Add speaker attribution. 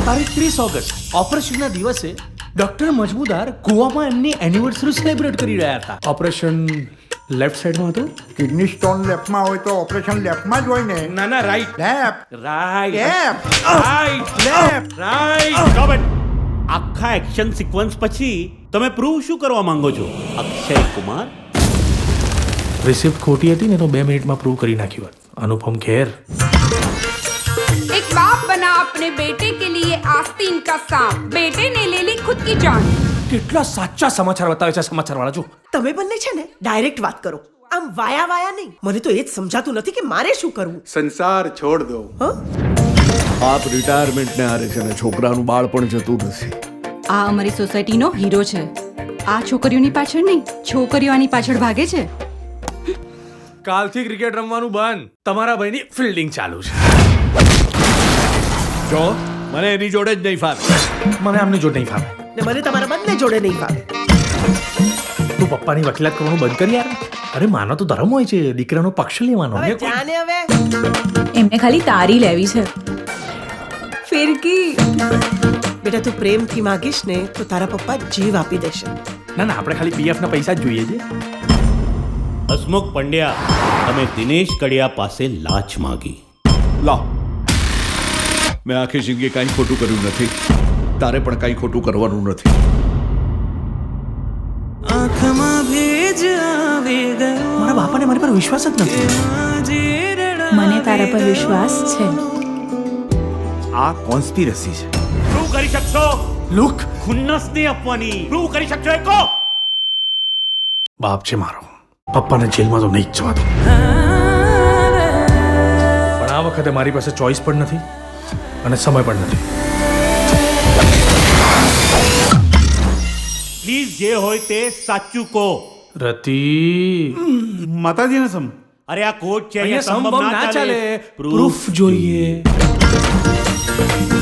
Speaker 1: તારીખ 30 ઓગસ્ટ ઓપરેશનના દિવસે ડોક્ટર મજમુદાર ગોવામાં એમની એનિવર્સરી સેલિબ્રેટ કરી રહ્યા હતા. ઓપરેશન લેફ્ટ સાઈડમાં હતું.
Speaker 2: કિડની સ્ટોન લેફ્ટમાં હોય તો ઓપરેશન લેફ્ટમાં જ હોય ને.
Speaker 1: ના ના right
Speaker 2: left
Speaker 1: right
Speaker 2: left
Speaker 1: right right.
Speaker 3: Stop it! આખા એક્શન સિક્વન્સ પછી તમે પ્રૂવ શું કરવા માંગો છો અક્ષય કુમાર?
Speaker 1: રિસિપ્ટ ખોટી હતી ને તો 2 મિનિટમાં પ્રૂવ કરી નાખ્યું હોત. અનુપમ ખેર.
Speaker 4: एक बाप बना अपने बेटे के लिए आस्तीन का सांप, बेटे ने ले ली खुद की जान.
Speaker 1: કેટલા સાચા સમાચાર બતાવે છે સમાચાર વાળા. જો
Speaker 5: તમે બંને છે ને ડાયરેક્ટ વાત કરો, આમ વાયા વાયા નહીં. મને તો એ જ સમજાતું નથી કે મારે શું કરવું.
Speaker 6: સંસાર છોડ દો. આપ રિટાયરમેન્ટને હારે છે ને છોકરાનું બાળ પણ જતું નથી.
Speaker 7: આ અમારી સોસાયટીનો હીરો છે. આ છોકરીઓની પાછળ નહીં, છોકરીઓ આની પાછળ ભાગે છે.
Speaker 1: કાલથી ક્રિકેટ રમવાનું બંધ. તમારા ભાઈની ફિલ્ડિંગ ચાલુ છે.
Speaker 6: જો મને એની જોડે જ નહીં ફાવે.
Speaker 1: મને આમની જોડે નહીં ફાવે.
Speaker 5: ને મને તમારા બંને જોડે નહીં ફાવે.
Speaker 1: તું પપ્પાની વકીલાત કરવાનું બંધ કરી યાર. અરે માનો તો ધર્મ હોય છે, દીકરાનો પક્ષ લેવાનો.
Speaker 5: હવે જાને હવે
Speaker 7: એમને ખાલી તારી લેવી છે. ફિરકી.
Speaker 5: બેટા તું પ્રેમથી માગીશ ને તો તારા પપ્પા જીવ આપી દેશે.
Speaker 1: ના ના આપણે ખાલી પીએફ ના પૈસા જ જોઈએ છે.
Speaker 3: હસમુખ પંડ્યા, તમે દિનેશ કડિયા પાસે લાંચ માગી.
Speaker 6: લા, મેં આખી જિંદગી કાંઈ ખોટું કર્યું નથી. તારે પણ કાંઈ ખોટું કરવાનું નથી.
Speaker 1: મારા બાપાને મારી પર વિશ્વાસ જ નથી.
Speaker 7: મને તારા પર વિશ્વાસ છે.
Speaker 6: આ કોન્સ્પિરસી છે.
Speaker 3: પ્રૂવ કરી શકશો?
Speaker 1: લુક
Speaker 3: ખુન્નસ નહીં આપવાની. પ્રૂવ કરી શકશો એ કહો.
Speaker 1: બાપ છે મારો, પપ્પાને જેલમાં તો નહીં જ જવા દો. પણ આ વખતે મારી પાસે ચોઈસ પણ નથી અને સમય પણ નથી.
Speaker 3: પ્લીઝ જે હોય તે સાચું કહો.
Speaker 1: રતિ
Speaker 6: માતાજીને સમ.
Speaker 3: અરે આ કોર્ટ છે,
Speaker 1: અહીંયા
Speaker 3: અહીંયા સંભવ
Speaker 1: સંભવ ના ચાલે.
Speaker 3: પ્રૂફ
Speaker 1: પ્રૂફ જોઈએ.